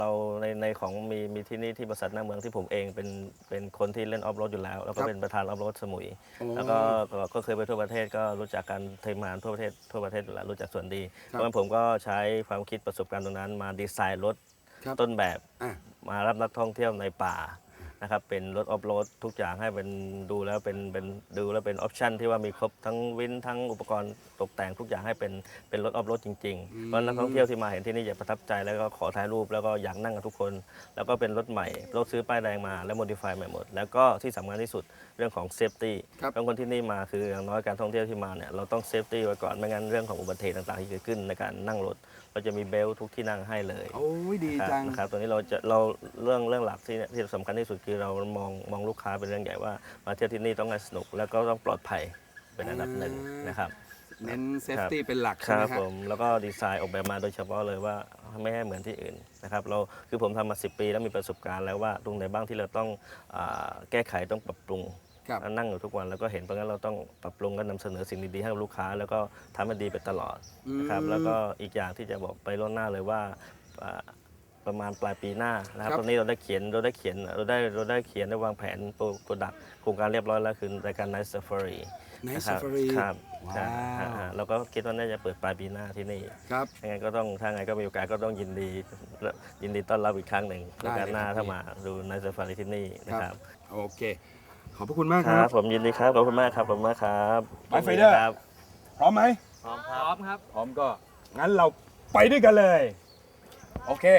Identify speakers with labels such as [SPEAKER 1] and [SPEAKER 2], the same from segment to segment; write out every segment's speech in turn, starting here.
[SPEAKER 1] เราในของมีที่นี่ที่บริษัทหน้าเมืองที่ผมเองเป็นคนที่เล่นออฟโรดอยู่แล้วแล้วก็เป็นประธานออฟโรดสมุยแล้วก็เคยไปทั่วประเทศก็รู้จักการทีมงานทั่วประเทศอยู่แล้วรู้จักส่วนดีเพราะฉะนั้นผมก็ใช้ความคิดประสบการณ์ตรงนั้นมาดีไซน์รถต้นแบบมารับนักท่องเที่ยวในป่านะครับเป็นรถออฟโรดทุกอย่างให้เป็นดูแล้วเป็นออปชั่นที่ว่ามีครบทั้งวินทั้งอุปกรณ์ตกแต่งทุกอย่างให้เป็นรถออฟโรดจริงๆเพราะนักท่องเที่ยวที่มาเห็นที่นี่จะประทับใจแล้วก็ขอถ่ายรูปแล้วก็อยากนั่งกับทุกคนแล้วก็เป็นรถใหม่รถซื้อป้ายแดงมาแล้วโมดิฟายใหม่หมดแล้วก็ที่สำคัญที่สุดเรื่องของเซฟตี้บางคนที่นี่มาคืออย่างน้อยการท่องเที่ยวที่มาเนี่ยเราต้องเซฟตี้ไว้ก่อนไม่งั้นเรื่องของอุบัติเหตุต่างๆที่เกิดขึ้นในการนั่งรถเราจะมีเบลทุกที่นั่งให้เลย
[SPEAKER 2] โอ้ยดีจัง
[SPEAKER 1] นะครับตัวนี้เราเรื่องหลักที่สำคัญที่สุดคือเรามองลูกค้าเป็นเรื่องใหญ่ว่ามาเที่ยวที่นี่ต้องสนุกแล้วก็ต้องปลอดภัยเป็นอันดับหนึ่งนะครับ
[SPEAKER 2] เน้นเซฟตี้เป็นหลัก
[SPEAKER 1] ค
[SPEAKER 2] ใช่ไหม
[SPEAKER 1] รับผมแล้วก็ดีไซน์ออกแบบมาโดยเฉพาะเลยว่าไม่ให้เหมือนที่อื่นนะครับคือผมทำมา10 ปีแล้วมีประสบการณ์แล้วว่าตรงไหนบ้างที่เราต้องแก้ไขต้องปรับปรุงนั่งอยู่ทุกวันแล้วก็เห็นเพราะงั้นเราต้องปรับปรุงก็นำเสนอสิ่งดีๆให้กับลูกค้าแล้วก็ทำให้ดีไปตลอดนะครับแล้วก็อีกอย่างที่จะบอกไปล่วงหน้าเลยว่าประมาณปลายปีหน้านะครับตอนนี้เราได้เขียนได้วางแผนโปรดักต์โครงการเรียบร้อยแล้วคือรายการ Night Safari
[SPEAKER 2] Night Safari
[SPEAKER 1] ครับเราก็คิดว่าน่าจะเปิดปลายปีหน้าที่นี่
[SPEAKER 2] ครับ
[SPEAKER 1] ยังไงก็ต้องถ้าไงก็มีโอกาสก็ต้องยินดีต้อนรับอีกครั้งหนึ่งในการหน้าถ้ามาดู Night Safari ที่นี่นะครับ
[SPEAKER 2] โอเคขอบพระคุณมากค
[SPEAKER 1] รับผมยินดีครับขอบคุณมากครับ
[SPEAKER 2] ไปไฟเดอร์พร้อมไหม
[SPEAKER 3] พร้อมครับ
[SPEAKER 2] พร้อมก็งั้นเราไปด้วยกันเลยโอเค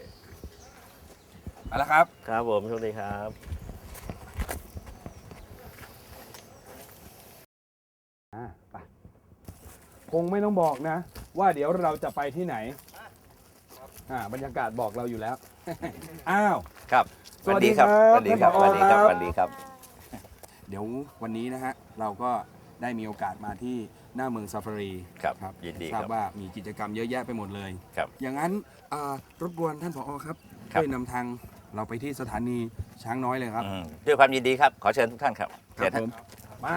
[SPEAKER 2] ไปแล้วครับ
[SPEAKER 1] ครับผมโชคดีครับ
[SPEAKER 2] ไปคงไม่ต้องบอกนะว่าเดี๋ยวเราจะไปที่ไหนบรรยากาศบอกเราอยู่แล้วอ้าว
[SPEAKER 4] ครับสวัสดีครับสวัสดีครับสวัสดีครับสวัสดีครับ
[SPEAKER 2] เดี๋ยววันนี้นะฮะเราก็ได้มีโอกาสมาที่หน้าเมืองซาฟารี
[SPEAKER 4] ครับยินดี
[SPEAKER 2] ทราบว่ามีกิจกรรมเยอะแยะไปหมดเลย
[SPEAKER 4] ครับ
[SPEAKER 2] อย่างนั้นรบกวนท่านผอ.ครับช่วยนำทางเราไปที่สถานีช้างน้อยเลยครับ
[SPEAKER 4] ด้วยความยินดีครับขอเชิญทุกท่านครับ
[SPEAKER 2] ครับผมมา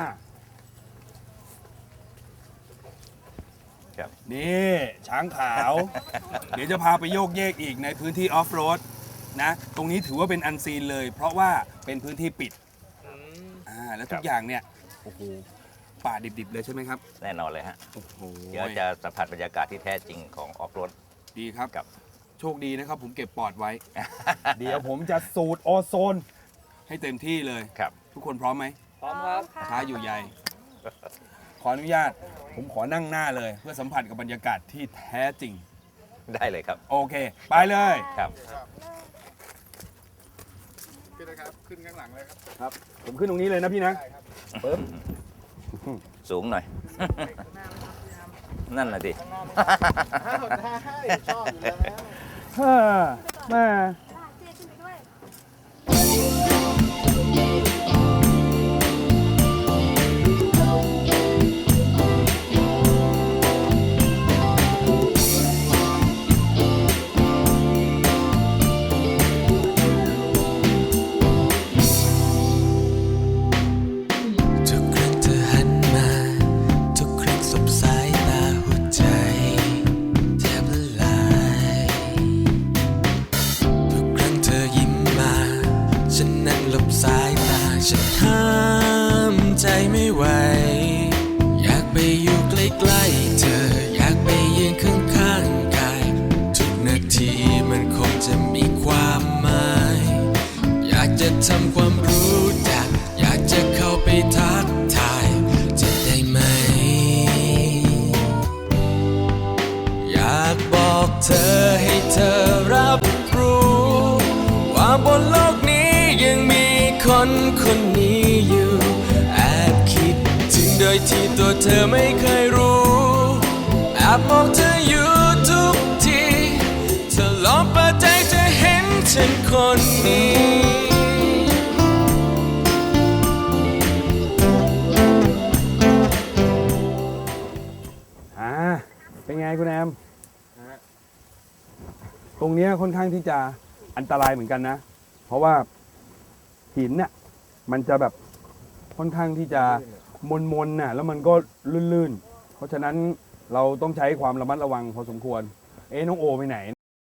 [SPEAKER 2] นี่ช้างขาว เดี๋ยวจะพาไปโยกเยกอีกในพื้นที่ออฟโรดนะตรงนี้ถือว่าเป็นอันซีนเลย เพราะว่าเป็นพื้นที่ปิดแล้วทุกอย่างเนี่ยโอ้โหป่าดิบๆเลยใช่ไหมครับ
[SPEAKER 4] แน่นอนเลยฮะ
[SPEAKER 2] โอ้โห
[SPEAKER 4] เดี๋ยวจะสัมผัสบรรยากาศที่แท้จริงของออฟโรด
[SPEAKER 2] ดีครับ
[SPEAKER 4] กับ
[SPEAKER 2] โชคดีนะครับผมเก็บปอดไว้ เดี๋ยวผมจะสูดโอโซนให้เต็มที่เลย
[SPEAKER 4] ครับ
[SPEAKER 2] ทุกคนพร้อมไหม
[SPEAKER 3] พร้อมครับ
[SPEAKER 2] ช้าอยู่ใหญ่ขออนุญาตผมขอนั่งหน้าเลยเพื่อสัมผัสกับบรรยากาศที่แท้จริง
[SPEAKER 4] ได้เลยครับ
[SPEAKER 2] โอเคไปเลย
[SPEAKER 4] ครับ
[SPEAKER 3] ขึ้นเลยครับขึ้นข้างหลังเลย
[SPEAKER 2] ครับผมขึ้นตรงนี้เลยนะพี่นะปึ๊บ
[SPEAKER 4] สูงหน่อยนั่นแหละดิ
[SPEAKER 3] ชอบอยู่แล้ว
[SPEAKER 2] มา
[SPEAKER 5] ฉันห้ามใจไม่ไหวอยากไปอยู่ใกล้ๆเธออยากไปยืนข้างๆกายทุกนาทีมันคงจะมีความหมายอยากจะทำความรู้จักอยากจะเข้าไปทักทายจะได้ไหมอยากบอกเธอให้เธอรับรู้ว่าบนโลกนี้ยังมีคนคนนี้อยู่แอบคิดถึงโดยที่ตัวเธอไม่เคยรู้แอบมองเธออยู่ทุกทีเธอลองเปิดใจจะเห็นฉันคนนี้
[SPEAKER 2] เป็นไงคุณแอมตรงนี้ค่อนข้างที่จะอันตรายเหมือนกันนะเพราะว่าหินเนี่ยมันจะแบบค่อนข้างที่จะมนน่ะแล้วมันก็ลื่นๆเพราะฉะนั้นเราต้องใช้ความระมัดระวังพอสมควรน้องโอไปไหน